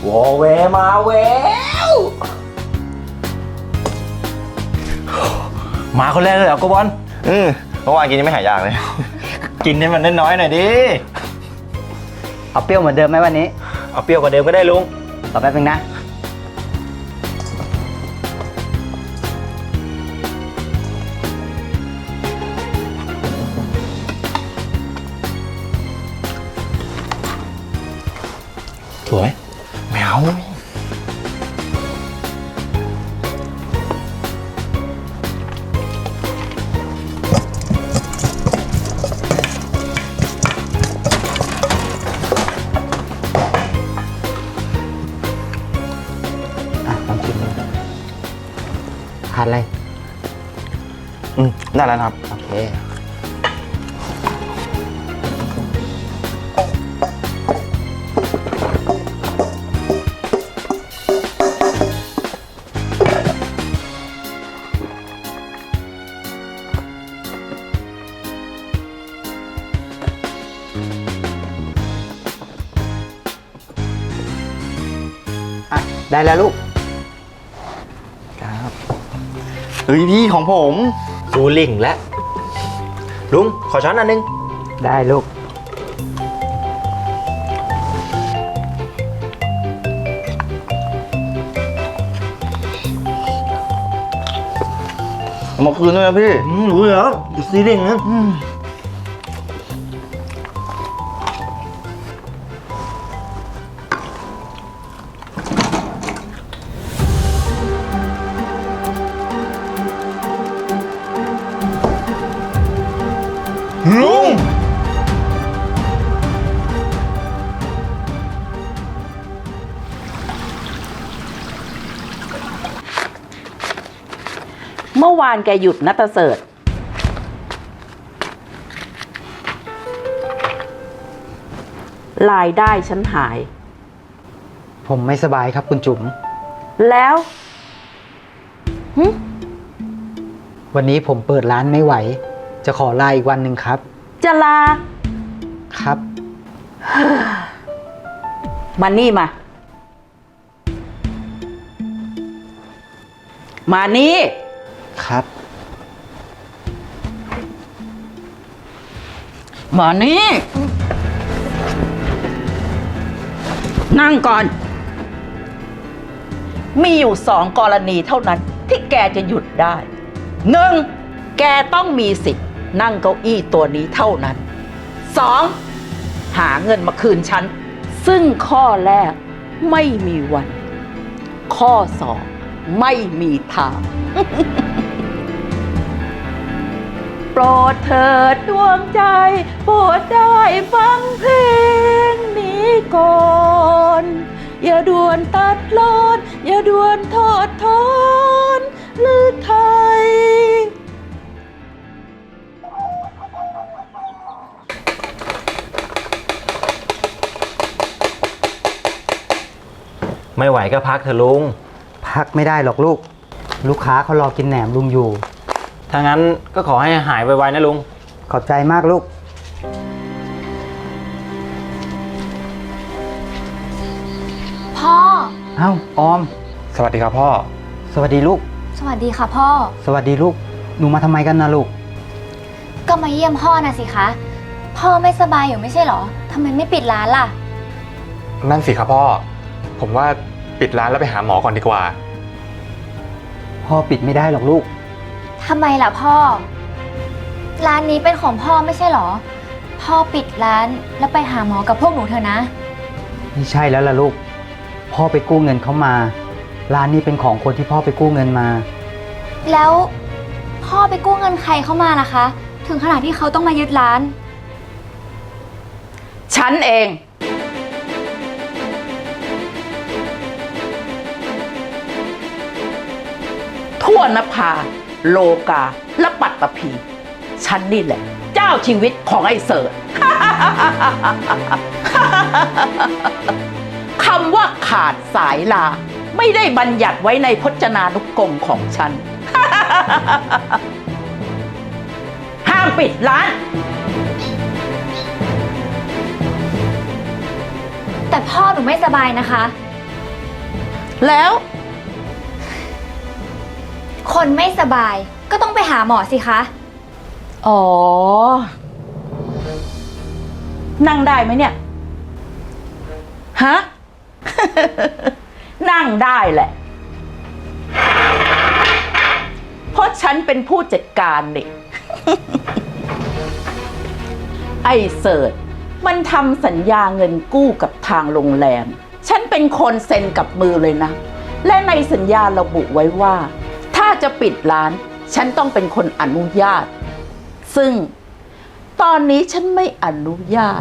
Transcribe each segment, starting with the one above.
วอเวมาแววมาคนแรกเลยเหรอโกบอลเมื่อวานกินยังไม่หายอยากเลยกินให้มันน้อยๆหน่อยดิเอาเปรี้ยวเหมือนเดิมไหมวันนี้เอาเปรี้ยวกว่าเดิมก็ได้ลุงต่อแป๊บนึงนะสวยไม่เอาลองชิมดูทานอะไรได้แล้วครับโอเค ได้แล้วลูกครับเฮ้ยพี่ของผมซูลิงและลุงขอช้อนอันนึงได้ลูกเอามาคืนด้วยนะพี่รู้แล้วซีลิงนะลุงเมื่อวานแกหยุดนะตาเสิร์ชรายได้ฉันหายผมไม่สบายครับคุณจุ๋มแล้วหึวันนี้ผมเปิดร้านไม่ไหว จะขอลาอีกวันหนึ่งครับจะลาครับมานี่มา มานี่ครับมานี่ นั่งก่อน มีอยู่2 กรณีเท่านั้นที่แกจะหยุดได้ 1. แกต้องมีสิทธิ์นั่งเก้าอี้ตัวนี้เท่านั้น 2. หาเงินมาคืนฉัน ซึ่งข้อแรกไม่มีวัน ข้อ 2 ไม่มีทาง โปรดเถิดดวงใจ โปรดได้ฟังเพลงนี้ก่อน อย่าด่วนตัดลอนอย่าด่วนทอดทอนหรือไทยไม่ไหวก็พักเถอะลุงพักไม่ได้หรอกลูก ลูกค้าเขารอกินแหนมลุงอยู่ถ้างั้นก็ขอให้หายไวๆนะลุงขอบใจมากลูกพ่อเอ้า ออมสวัสดีครับพ่อสวัสดีลูกสวัสดีค่ะพ่อสวัสดีลูก หนูมาทำไมกันนะลูกก็มาเยี่ยมพ่อนะสิคะ พ่อไม่สบายอยู่ไม่ใช่เหรอทำไมไม่ปิดร้านล่ะนั่นสิครับพ่อ ผมว่าปิดร้านแล้วไปหาหมอก่อนดีกว่าพ่อปิดไม่ได้หรอกลูกทำไมล่ะพ่อ ร้านนี้เป็นของพ่อไม่ใช่เหรอ พ่อปิดร้านแล้วไปหาหมอกับพวกหนูเถอะนะไม่ใช่แล้วล่ะลูก พ่อไปกู้เงินเขามา ร้านนี้เป็นของคนที่พ่อไปกู้เงินมาแล้วพ่อไปกู้เงินใครเข้ามาล่ะคะ ถึงขนาดที่เขาต้องมายึดร้านฉันเอง ทั่วนภา โลกา และปัตตภี ฉันนี่แหละ เจ้าชีวิตของไอ้เสิร์ช คำว่าขาดสายลา ไม่ได้บัญญัติไว้ในพจนานุกรมของฉัน ห้ามปิดร้านแต่พ่อหนูไม่สบายนะคะแล้วคนไม่สบายก็ต้องไปหาหมอสิคะอ๋อ นั่งได้ไหมเนี่ย ฮะ นั่งได้แหละ เพราะฉันเป็นผู้จัดการนี่ ไอ้เสิร์ชมันทำสัญญาเงินกู้กับทางโรงแรม ฉันเป็นคนเซ็นกับมือเลยนะ และในสัญญาระบุไว้ว่า ถ้าจะปิดร้าน ฉันต้องเป็นคนอนุญาต ซึ่งตอนนี้ฉันไม่อนุญาต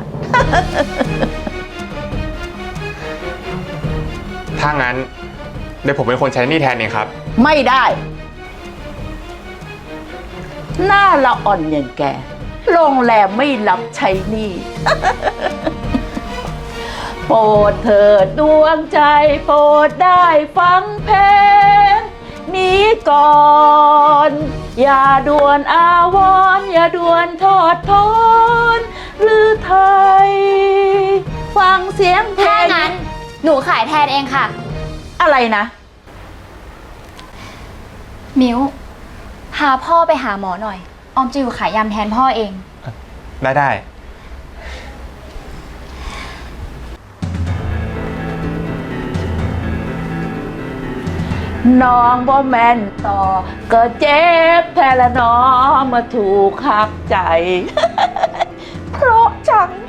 ถ้างั้นเดี๋ยวผมเป็นคนใช้หนี้แทนเองครับไม่ได้ หน้าละอ่อนอย่างแก โรงแรมไม่รับใช้หนี้ โปรดเถิดดวงใจโปรดได้ฟังเพลงนี้ก่อน อย่าด่วนอาวรณ์อย่าด่วนทอดทอนหรือไทย ฟังเสียงเพลถ้าง งั้นหนูขายแทนเองค่ะอะไรนะมิ้ว พาพ่อไปหาหมอหน่อย ออมจะอยู่ขายยำแทนพ่อเองได้น้องบ่แม่นต่อก็เจ็บแทนละน้อมาถูกหักใจ เพราะจัง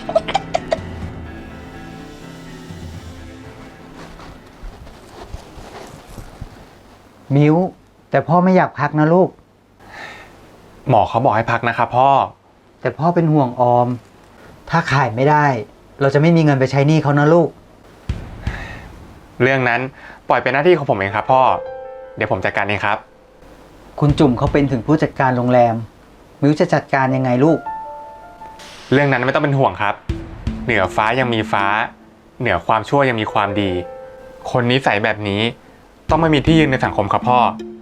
มิ้ว แต่พ่อไม่อยากพักนะลูกหมอเขาบอกให้พักนะครับพ่อแต่พ่อเป็นห่วงออม ถ้าขายไม่ได้ เราจะไม่มีเงินไปใช้หนี้เขานะลูกเรื่องนั้นปล่อยเป็นหน้าที่ของผมเองครับพ่อ เดี๋ยวผมจัดการเองครับคุณจุ่มเขาเป็นถึงผู้จัดการโรงแรม มิ้วจะจัดการยังไงลูกเรื่องนั้นไม่ต้องเป็นห่วงครับ เหนือฟ้ายังมีฟ้า เหนือความชั่วยังมีความดี คนนิสัยแบบนี้ต้องไม่มีที่ยืนในสังคมครับพ่อ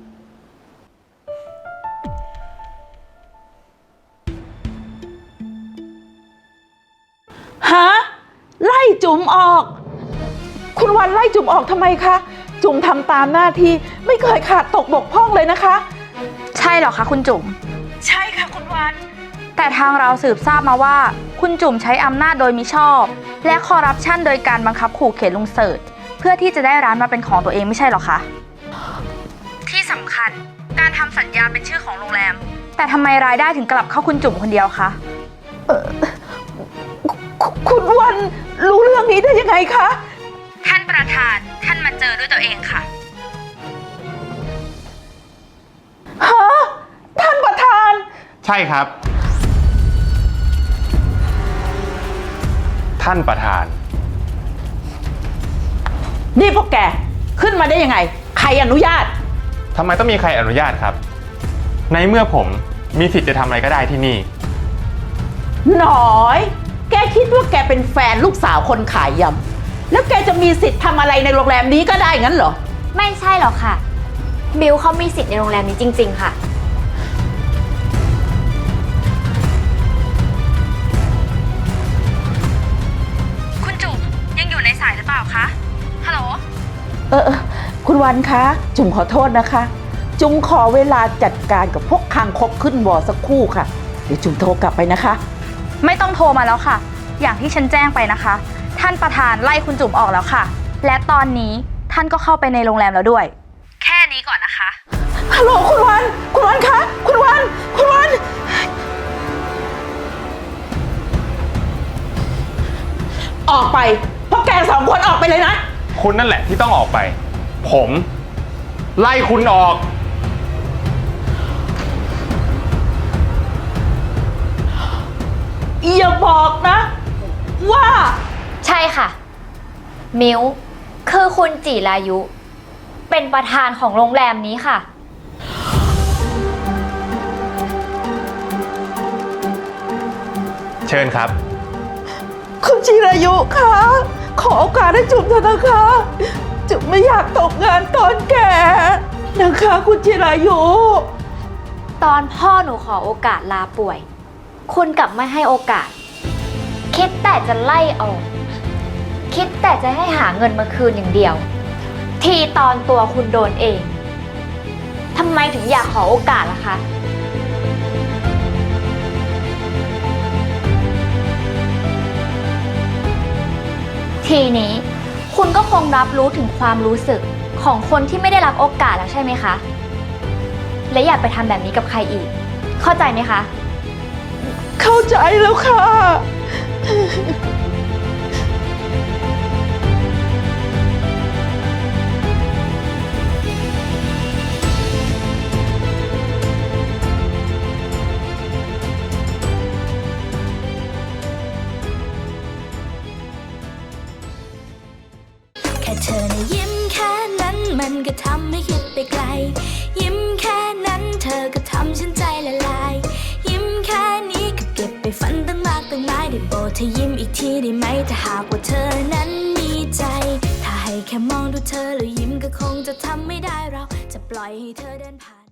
ฮะ ไล่จุ๋มออก คุณวันไล่จุ๋มออกทำไมคะ จุ๋มทำตามหน้าที่ไม่เคยขาดตกบกพร่องเลยนะคะใช่เหรอคะคุณจุ๋มใช่ค่ะคุณวันแต่ทางเราสืบทราบมาว่าคุณจุ๋มใช้อำนาจโดยมิชอบ และคอร์รัปชันโดยการบังคับขู่เข็นลุงเสิร์ชเพื่อที่จะได้ร้านมาเป็นของตัวเองไม่ใช่เหรอคะ ที่สำคัญการทำสัญญาเป็นชื่อของโรงแรม แต่ทำไมรายได้ถึงกลับเข้าคุณจุ๋มคนเดียวคะคุณวันรู้เรื่องนี้ได้ยังไงคะท่านประธานท่านมาเจอด้วยตัวเองค่ะฮะ ท่านประธานใช่ครับ ท่านประธานนี่พวกแกขึ้นมาได้ยังไง ใครอนุญาตทำไมต้องมีใครอนุญาตครับ ในเมื่อผมมีสิทธิ์จะทำอะไรก็ได้ที่นี่หน่อย แกคิดว่าแกเป็นแฟนลูกสาวคนขายยำ แล้วแกจะมีสิทธิ์ทำอะไรในโรงแรมนี้ก็ได้งั้นเหรอไม่ใช่หรอกค่ะ บิวเขามีสิทธิ์ในโรงแรมนี้จริงๆค่ะคุณจุ๋มยังอยู่ในสายหรือเปล่าคะ ฮัลโหลคุณวันคะ จุ๋มขอโทษนะคะ จุ๋มขอเวลาจัดการกับพวกคางคกขึ้นวอสักครู่ค่ะ เดี๋ยวจุ๋มโทรกลับไปนะคะไม่ต้องโทรมาแล้วค่ะ อย่างที่ฉันแจ้งไปนะคะ ท่านประธานไล่คุณจุ๋มออกแล้วค่ะ และตอนนี้ท่านก็เข้าไปในโรงแรมแล้วด้วย แค่นี้ก่อนนะคะฮัลโหลคุณวัน คุณวันคะ คุณวัน คุณวัน ออกไปพวกแกสองคนออกไปเลยนะคุณนั่นแหละที่ต้องออกไป ผมไล่คุณออกอย่าบอกนะ ว่าใช่ค่ะ มิวคือคุณจิรายุ เป็นประธานของโรงแรมนี้ค่ะเชิญครับคุณจิรายุคะ ขอโอกาสให้จุ๋มเถอะนะคะ จุ๋มไม่อยากตกงานตอนแก่นะคะคุณจิรายุตอนพ่อหนูขอโอกาสลาป่วย คุณกลับไม่ให้โอกาส คิดแต่จะไล่ออก คิดแต่จะให้หาเงินมาคืนอย่างเดียว ททีตอนตัวคุณโดนเองทำไมถึงอยากขอโอกาสล่ะคะ ทีนี้คุณก็คงรับรู้ถึงความรู้สึกของคนที่ไม่ได้รับโอกาสแล้วใช่ไหมคะ และอย่าไปทำแบบนี้กับใครอีก เข้าใจไหมคะเข้าใจแล้วค่ะแค่เธอนะยิ้มแค่นั้นมันก็ทำให้คิดไปไกล ยิ้มแค่นั้นเธอก็ทำฉันใจละลาย ยิ้มแค่นี้ก็เก็บไปฝันตั้งมากตั้งหลายได้โปรดเธอยิ้มอีกทีได้ไหมถ้าหากว่าเธอนั้นมีใจ ถ้าให้แค่มองดูเธอแล้วยิ้มก็คงจะทำไม่ได้เราจะปล่อยให้เธอเดินผ่าน